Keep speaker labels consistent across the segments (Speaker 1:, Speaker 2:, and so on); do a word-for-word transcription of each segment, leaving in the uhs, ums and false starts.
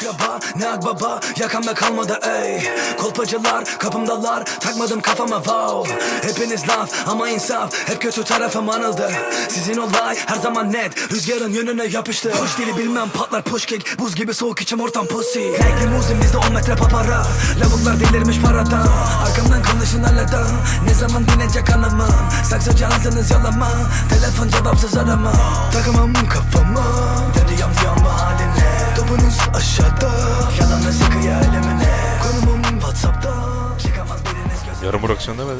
Speaker 1: akraba ne akbaba, yakamda kalmadı ey. Kolpacılar kapımdalar, takmadım kafama wow. Hepiniz laf ama insaf, hep kötü tarafım anıldı. Sizin olay her zaman net, rüzgarın yönüne yapıştı. Hoş dili bilmem patlar push kick, buz gibi soğuk içim ortam pussy. Renk limuzin bizde on metre papara, lavuklar delirmiş paradan. Arkamdan konuşun halada, ne zaman dinecek anamı. Saksıcı ağzınız yalama, telefon cevapsız arama. Takamam kafama, dedi yam yam haline. Topunuz aşağıda, yalanla sıkıyor elemine. Konumum Whatsapp'ta, çıkamaz biriniz gözüme.
Speaker 2: Yarın bırakacaksın demedin.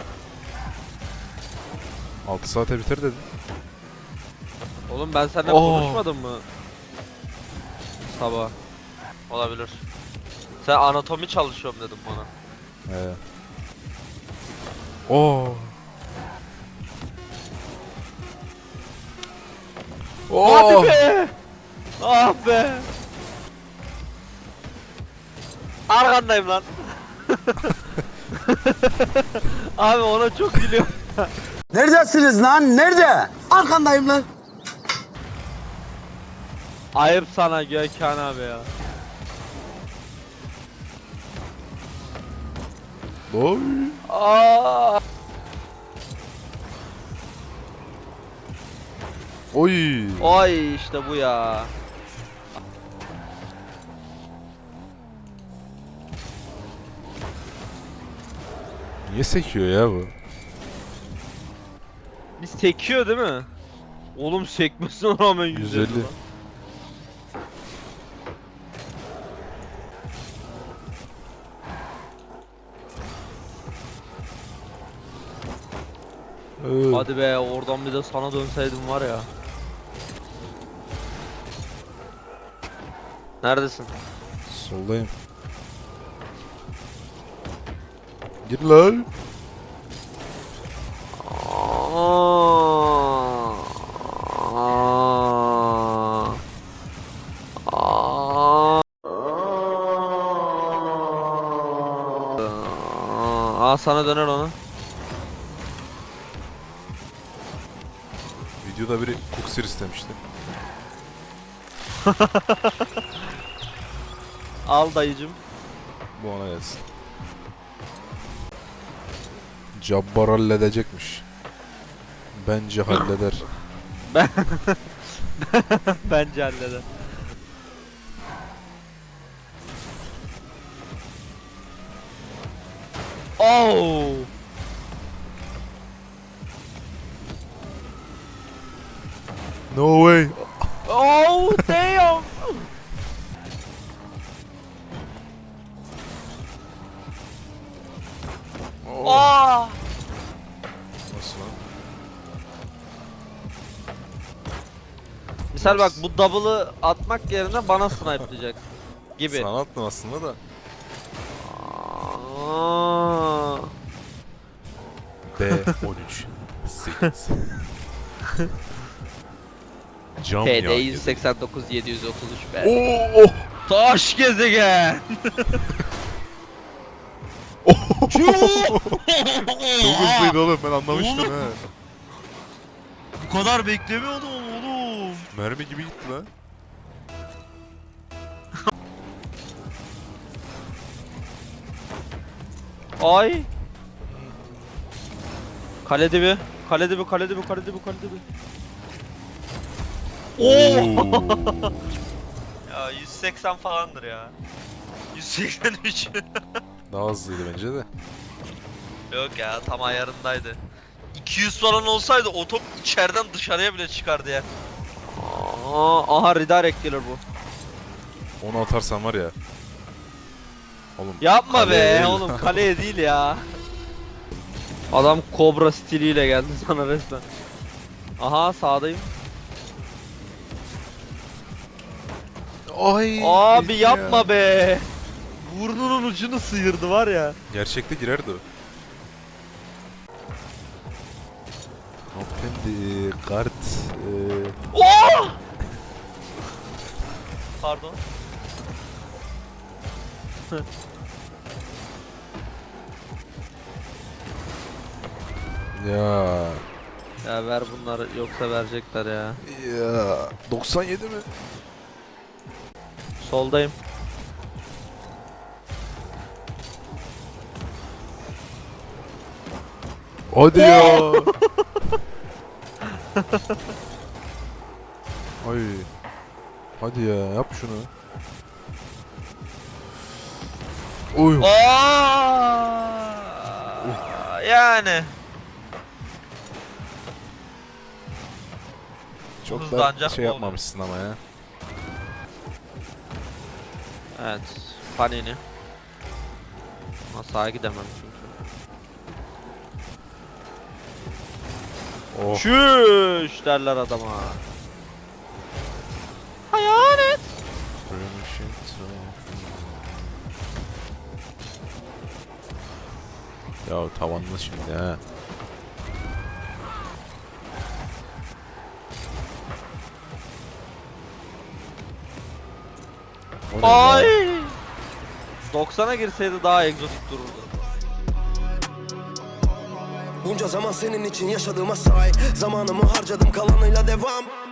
Speaker 2: altı saate biter dedin.
Speaker 3: Oğlum ben seninle
Speaker 2: Oo.
Speaker 3: konuşmadım mı? Sabah. Olabilir. Sen anatomi çalışıyorum dedim bana.
Speaker 2: He. Oo. Oo.
Speaker 3: Hadi be! Ah be! Arkandayım lan. Abi ona çok gülüyorum.
Speaker 4: Neredesiniz lan? Nerede? Arkandayım lan.
Speaker 3: Ayıp sana Gökhan abi ya.
Speaker 2: Oy.
Speaker 3: Aa!
Speaker 2: Oy.
Speaker 3: Oy işte bu ya.
Speaker 2: Niye sekiyor ya bu?
Speaker 3: Bir sekiyor değil mi? Oğlum sekmesine rağmen yüz
Speaker 2: yüz
Speaker 3: elli
Speaker 2: elli.
Speaker 3: lan.
Speaker 2: Ee,
Speaker 3: Hadi be oradan bir de sana dönseydim var ya. Neredesin?
Speaker 2: Soldayım. Gir lan.
Speaker 3: Aa. Aa. Aa. Aa sana döner onu.
Speaker 2: Videoda biri kuksir istemişti.
Speaker 3: Al dayıcım.
Speaker 2: Bu ona gelsin. Cabbar halledecekmiş. Bence halleder.
Speaker 3: Ben bence halleder. Oh!
Speaker 2: No way.
Speaker 3: Oh damn!
Speaker 2: Oh.
Speaker 3: Aa!
Speaker 2: Nasıl lan?
Speaker 3: Misal bak bu double'ı atmak yerine bana snipe'layacak gibi.
Speaker 2: Sana attım aslında da.
Speaker 3: Aa.
Speaker 2: B on üç sekiz. Cam
Speaker 3: T D
Speaker 2: ya.
Speaker 3: yüz seksen dokuz yedi yüz otuz üç be.
Speaker 2: Oo, oh.
Speaker 3: Taş gezegen.
Speaker 2: Çok hızlıydı oğlum, ben anlamıştım he.
Speaker 3: Bu kadar beklemiyordum oğlum.
Speaker 2: Mermi gibi gitti lan.
Speaker 3: Ay. Kale dibi. Kale dibi, kale dibi, kale dibi, kale dibi. Oo. Ya yüz seksen falandır ya. yüz seksen üç.
Speaker 2: Daha hızlıydı bence de.
Speaker 3: Yok ya tam ayarındaydı. iki yüz falan olsaydı o top içeriden dışarıya bile çıkardı ya. Aa, aha redirect gelir bu.
Speaker 2: Onu atarsan var ya. Oğlum.
Speaker 3: Yapma
Speaker 2: kaleye
Speaker 3: be
Speaker 2: değil.
Speaker 3: oğlum kaleye değil ya. Adam kobra stiliyle geldi sana resmen. Aha sağdayım.
Speaker 2: Ay.
Speaker 3: Abi
Speaker 2: gitti ya.
Speaker 3: yapma be. Burnunun ucunu sıyırdı var ya.
Speaker 2: Gerçekte girerdi o. Hanımefendi kart. Eee...
Speaker 3: Oh! Pardon.
Speaker 2: Ya.
Speaker 3: Ya ver bunları yoksa verecekler ya.
Speaker 2: Ya. doksan yedi mi?
Speaker 3: Soldayım.
Speaker 2: Hadi ya. Ay. Hadi ya yap şunu. Oy.
Speaker 3: Aa, yani
Speaker 2: Çok da
Speaker 3: hızlanacak
Speaker 2: şey
Speaker 3: mı oldu?
Speaker 2: yapmamışsın ama ya.
Speaker 3: evet, Panini. Ama sağa gidemem çünkü.
Speaker 2: Oh.
Speaker 3: Çüş derler adama. Hayalet.
Speaker 2: Ya tavanlı şimdi ha. O ne
Speaker 3: Ay.
Speaker 2: ya?
Speaker 3: doksana girseydi daha egzotik dururdu.
Speaker 5: Bunca zaman senin için yaşadığıma say. Zamanımı harcadım kalanıyla devam.